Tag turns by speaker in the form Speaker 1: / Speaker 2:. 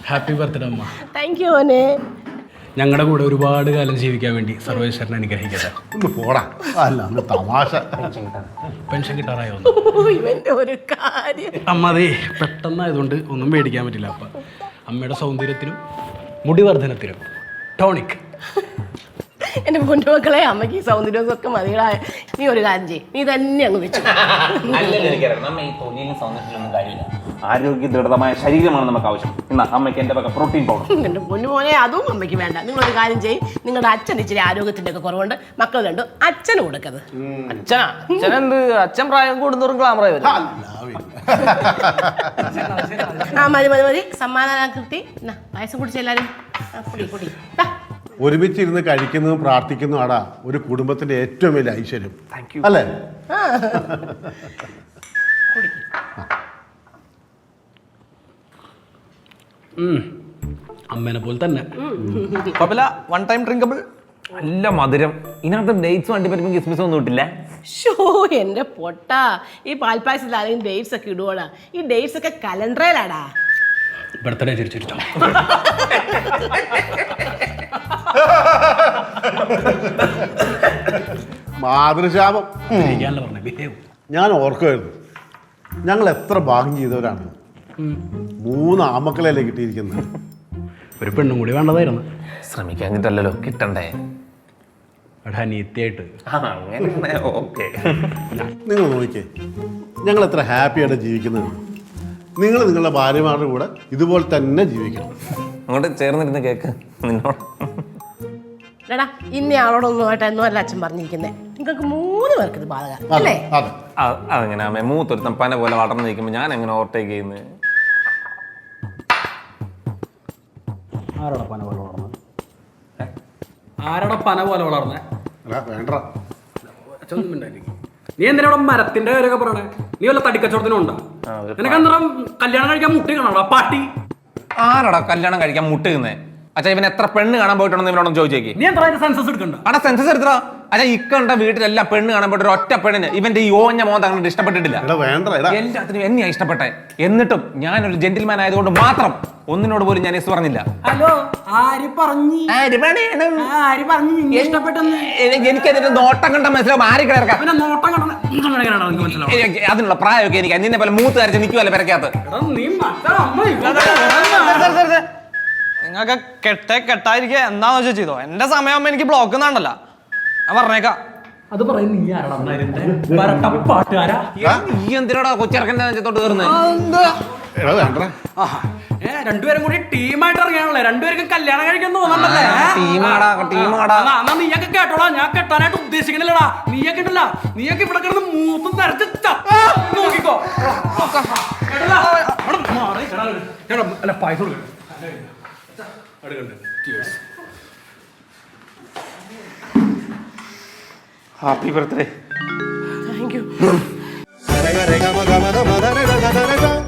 Speaker 1: Happy birthday അമ്മ.
Speaker 2: Thank you മോനെ.
Speaker 1: ഞങ്ങളുടെ കൂടെ ഒരുപാട് കാലം ജീവിക്കാൻ വേണ്ടി സർവേശ്വരൻ അനുഗ്രഹിക്കട്ടെ.
Speaker 3: ഒന്ന് പോടാ, അല്ല അന്ന് തമാശ.
Speaker 1: പെൻഷൻ കിട്ടാറായോ?
Speaker 2: ഇവന്റെ ഒരു കാര്യം.
Speaker 1: അമ്മ അതേ പെട്ടെന്നായതുകൊണ്ട് ഒന്നും മേടിക്കാൻ പറ്റില്ല. അപ്പം അമ്മയുടെ സൗന്ദര്യത്തിനും മുടിവർദ്ധനത്തിനും ടോണിക്.
Speaker 2: എന്റെ പൊന്നുമക്കളെ, അമ്മയ്ക്ക് ഈ സൗന്ദര്യമൊക്കെ മതികളായ. നീ ഒരു കാര്യം ചെയ്യ്, നീ തന്നെ അങ്ങ് വെച്ചു.
Speaker 4: ആരോഗ്യ ദൃഢമായ ശരീരമാണ് നമുക്ക് ആവശ്യം. എന്നാ അമ്മയ്ക്ക് എന്റെ വക പ്രോട്ടീൻ പൗഡർ.
Speaker 2: എന്റെ പൊന്നുമോനെ, അതും അമ്മയ്ക്ക് വേണ്ട. നിങ്ങളൊരു കാര്യം ചെയ്യ്, നിങ്ങളുടെ അച്ഛൻ ഇച്ചിരി ആരോഗ്യത്തിന്റെ ഒക്കെ കുറവുണ്ട്, മക്കൾ കണ്ടു അച്ഛന് കൊടുക്കത്.
Speaker 5: അച്ഛനെന്ത്? അച്ഛൻ പ്രായം കൂടുന്നവരും ഗ്ലാമറായി വരും.
Speaker 2: ആ മതി മതി മതി, സമ്മാനാകൃതി. പായസം കുടിച്ച എല്ലാരും കുടി.
Speaker 3: ഒരുമിച്ചിരുന്ന് കഴിക്കുന്നതും പ്രാർത്ഥിക്കുന്നതും ആടാ ഒരു കുടുംബത്തിന്റെ ഏറ്റവും വലിയ ഐശ്വര്യം, അല്ലേ?
Speaker 1: അമ്മേനെ പോലെ തന്നെ.
Speaker 5: One time drinkable.
Speaker 4: നല്ല മധുരം. ഇതിനകത്ത് ഡേറ്റ്സ് വണ്ടി പറ്റുമ്പോൾ കിസ്മിസ് ഒന്നും ഇട്ടില്ല.
Speaker 2: ഷോ എന്റെ പൊട്ടാ, ഈ പാൽപ്പായസത്തിൽ ആരെങ്കിലും ഡേറ്റ്സ് ഒക്കെ ഇടുവോടാ? ഈ ഡേറ്റ്സ് ഒക്കെ കലണ്ടറിലാടാ.
Speaker 1: ബർത്ത്ഡേ ചിരിച്ചിരിച്ചോ.
Speaker 3: മാതൃശാപം.
Speaker 1: പറഞ്ഞേ.
Speaker 3: ഞാൻ ഓർക്കുമായിരുന്നു, ഞങ്ങൾ എത്ര ഭാഗ്യം ചെയ്തവരാണ്. 3 ആമക്കളല്ലേ കിട്ടിയിരിക്കുന്നത്.
Speaker 1: ഒരു പെണ്ണും കൂടി വേണ്ടതായിരുന്നു.
Speaker 4: ശ്രമിക്കാഞ്ഞിട്ടല്ലോ, കിട്ടണ്ടേ?
Speaker 1: അനിയത്തിയായിട്ട്.
Speaker 3: നിങ്ങൾ നോക്കിക്കേ, ഞങ്ങൾ എത്ര ഹാപ്പിയായിട്ട് ജീവിക്കുന്നത്. നിങ്ങൾ നിങ്ങളുടെ ഭാര്യമാരുടെ കൂടെ ഇതുപോലെ തന്നെ ജീവിക്കണം.
Speaker 4: അങ്ങോട്ട് ചേർന്നിരുന്ന് കേക്ക്. നിന്നോട്
Speaker 2: എടാ, ഇന്ന ആളോടൊന്നുമായിട്ട് അല്ല അച്ഛൻ പറഞ്ഞിരിക്കുന്നത്. നിങ്ങൾക്ക് 3 പേർക്ക് ഇത് ബാധകം അല്ലേ?
Speaker 4: അതെങ്ങനെ അമ്മ? മൂത്തൊരുത്തം പന പോലെ വളർന്നു നിൽക്കുമ്പോൾ ഞാൻ എങ്ങനെ ഓവർടേക്ക് ചെയ്യുന്നത്?
Speaker 1: ആരോടെ പന പോലെ വളർന്നത്? ആരോടെ പന പോലെ വളർന്നേ?
Speaker 3: വേണ്ട,
Speaker 1: നീ എന്തിനാ മരത്തിന്റെ കാര്യമൊക്കെ പറയണേ? നീ വല്ല തടിക്കച്ചവടത്തിനുണ്ടോ? നിനക്ക് എന്താ കല്യാണം കഴിക്കാൻ മുട്ടി കാണാ പാട്ടി?
Speaker 4: ആരാടാ കല്യാണം കഴിക്കാൻ മുട്ടുന്നേ? അച്ഛാ, ഇവൻ എത്ര പെണ്ണ് കാണാൻ പോയിട്ടുണ്ടെന്ന് ഇവനോടൊന്ന് ചോദിച്ചേക്ക്.
Speaker 1: നീ എന്താ സെൻസസ് എടുക്കണ്ട?
Speaker 4: അവിടെ സെൻസസ് എടുത്തോ? അച്ഛാ, ഇക്കണ്ട വീട്ടിലെല്ലാം പെണ്ണ് കാണാൻ പോയിട്ട് ഒറ്റ പെണ്ണിന് ഇവന്റെ ഈ ഓഞ്ഞ മോന്ത അങ്ങനെ ഇഷ്ടപ്പെട്ടിട്ടില്ല. എല്ലാത്തിനും എന്നെയാ ഇഷ്ടപ്പെട്ടെ. എന്നിട്ടും ഞാനൊരു ജെന്റിൽമാൻ ആയതുകൊണ്ട് മാത്രം ഒന്നിനോട് പോലും ഞാൻ എസ് പറഞ്ഞില്ല.
Speaker 1: ഹലോ, ആര് പറഞ്ഞു?
Speaker 4: എനിക്കതിന്റെ നോട്ടം കണ്ട മനസ്സിലാവും. ആര് കിടക്കാം അതിനുള്ള പ്രായമൊക്കെ എനിക്ക്. നിന്നെ പോലെ മൂത്ത് കരച്ച് നിൽക്കുമല്ലേ പെരക്കകത്ത്.
Speaker 5: നിങ്ങൾക്ക് കെട്ടായിരിക്കുക എന്താന്ന് വെച്ചാൽ ചെയ്തോ. എന്റെ സമയമാകുമ്പോ എനിക്ക് ബ്ലോക്ക് എന്നാണ്ടല്ല, ഞാൻ പറഞ്ഞേക്കാം.
Speaker 1: അത് പറയുന്നത്
Speaker 4: നീ എന്തിനാടാ കൊച്ചിറക്കന്റെ നെഞ്ചത്തോട്ട് കയറുന്നത്?
Speaker 1: രണ്ടുപേരും കൂടി ടീമായിട്ട് ഇറങ്ങിയാണല്ലേ? രണ്ടുപേർക്കും കല്യാണം കഴിക്കാൻ തോന്നണ്ടല്ലേ? നീയൊക്കെ കേട്ടോടാ, ഞാൻ കെട്ടാനായിട്ട് ഉദ്ദേശിക്കണില്ലടാ. നീയൊക്കെ ഉണ്ടല്ല, നീയൊക്കെ ഇവിടെ കിടന്ന് മൂത്തും നിറച്ച് നോക്കിക്കോ. അല്ല, പൈസ കൊടുക്കണം.
Speaker 4: Happy birthday.
Speaker 2: Thank U.